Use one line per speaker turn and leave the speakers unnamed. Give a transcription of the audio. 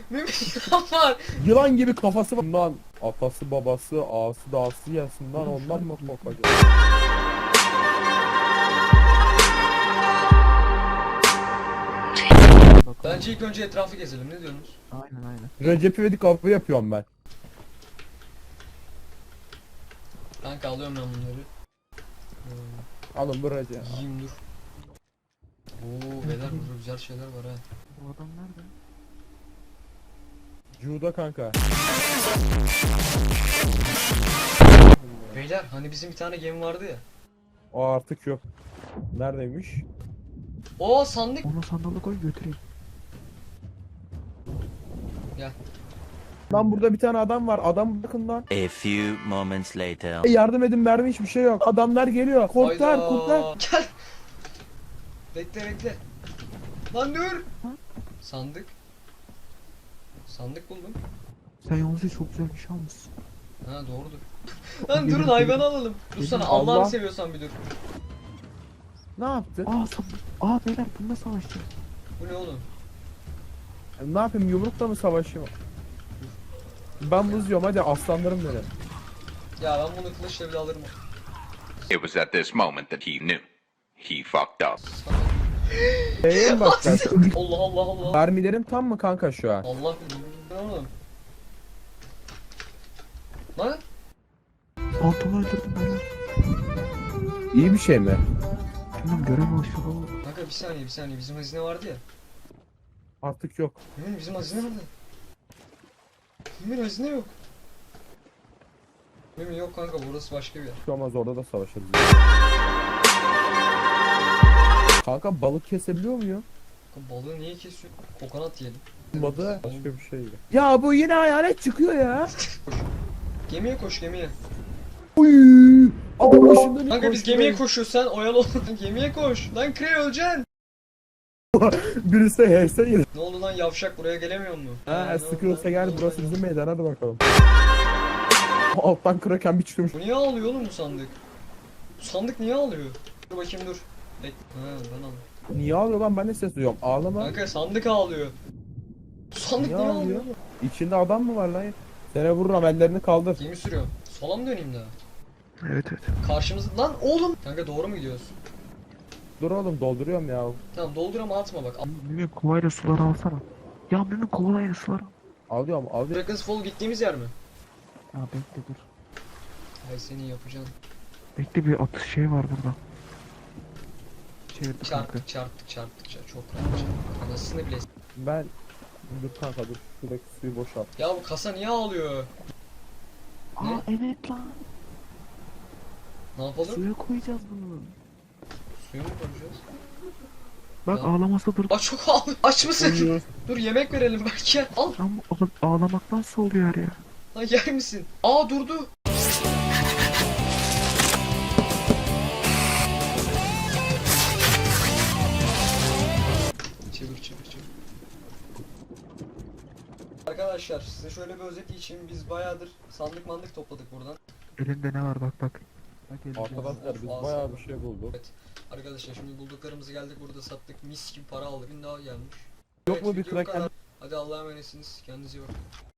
Mümin yılan var.
Yılan gibi kafası var. Bundan atası babası ağası dağısı yesin lan, ondan mı korkacak?
Bence ilk önce etrafı gezelim, ne diyorsunuz?
Aynen.
Recep İvedik avı yapıyorum ben.
Kanka alıyorum ben bunları.
Alın bu Recep.
Yiyeyim dur. Oo beyler burada güzel şeyler var ha.
Bu adam nerede?
Cuda kanka.
Beyler hani bizim bir tane gemi vardı ya.
O artık yok. Neredeymiş?
Oo sandık.
Onu sandalı koy götüreyim.
Lan burada bir tane adam var. Adam bakın lan.
A few moments later.
Yardım edin, mermi hiçbir şey yok. Adamlar geliyor. Kurtar
Hayda.
kurtar.
Gel. Bekle. Lan dur. Sandık. Sandık buldum.
Sen yalnızca çok güzel bir şey almışsın.
Ha doğrudur. Lan durun hayvanı alalım. Dur sana
Allah.
Allah'ını seviyorsan bir dur.
Ne yaptı?
Beyler bununla savaşacağız.
Bu ne oğlum?
Ne yapayım, yumrukla mı savaşayım? Ben buz yiyorum, hadi aslanlarım benim.
Ya ben bunu kılıçla bile alırım.
It was at this moment that he knew. He fucked up.
Neye mi bakacaksın?
Allah.
Mermilerim tam mı kanka şu an?
Allah bilir. Ne oğlum? Lan?
Pantolonu öldürdüm beyler.
İyi bir şey mi?
Bilmem görev başladı.
Kanka bir saniye bizim hazine vardı ya.
Artık yok.
Mümin bizim hazine nerede? Mümin hazine yok. Mümin yok kanka, burası başka bir yer.
Şu olmaz, orada da savaşırız. Kanka balık kesebiliyor muyum?
Kanka balığı niye kesiyor? Kokonat yiyelim.
Olmadı. Başka bir şey. Ya bu yine hayalet çıkıyor ya.
Gemiye koş gemiye.
Uy! Adam başında bir
Kanka biz gemiye koşuyoruz, sen oyalı ol. Gemiye koş. Lan Krey öleceksin.
Birisi HS yedi.
Ne oldu lan yavşak, buraya gelemiyor mu?
Ha,
ne oldu
sıkıyorsa
lan?
gel,
Ne oldu
burası
lan?
bizim meydan, hadi bakalım. Alttan kraken bir çıkıyormuş.
Bu niye ağlıyor oğlum bu sandık? Bu sandık niye ağlıyor? Dur bakayım dur. Ha ben aldım.
Niye ağlıyor lan, ben de ses duyuyorum. Ağlama.
Kanka sandık ağlıyor. Bu sandık
Niye
niye
ağlıyor?
ağlıyor?
İçinde adam mı var lan? Sene vururum, ellerini kaldır.
Gemi sürüyorum. Sola mı döneyim daha?
Evet.
Karşımızda lan oğlum. Kanka doğru mu gidiyoruz?
Dur oğlum, dolduruyorum ya.
Tamam doldur ama atma bak.
Mümin kovayla suları alsana. Ya Mümin kovayla suları al.
Alıyorum.
Dragon's Fall gittiğimiz yer mi?
Ya bekle dur.
Hay senin yapacağın.
Bekle bir atış şey var burada. Çevirdik kanka.
Çarptık çok rahat. Anasını bile.
Ben... Dur kanka dur. Şuradaki suyu boşalt.
Ya bu kasa niye ağlıyor?
Aa evet lan.
Ne yapalım?
Suya koyacağız bunu.
Suyu mu koyacağız?
Bak
Ya.
ağlaması dur.
Aa çok ağlıyor. Aç mısın?
Uyuyoruz.
Dur yemek verelim belki. Al.
Lan bu ağlamaktan soğuyor ya.
Lan yer misin? Aa durdu. Çevir. Arkadaşlar size şöyle bir özet için biz bayağıdır sandık mandık topladık buradan.
Elinde ne var bak. Bak elinde.
Arkadaşlar biz
Of,
bayağı
ağzına.
bir şey bulduk.
Evet. Arkadaşlar şimdi bulduklarımızı geldik burada sattık, mis gibi para aldık. Bin daha gelmiş.
Yok mu bir
video bu
kraken?
kadar. Hadi Allah'a emanetsiniz. Kendinize iyi bakın.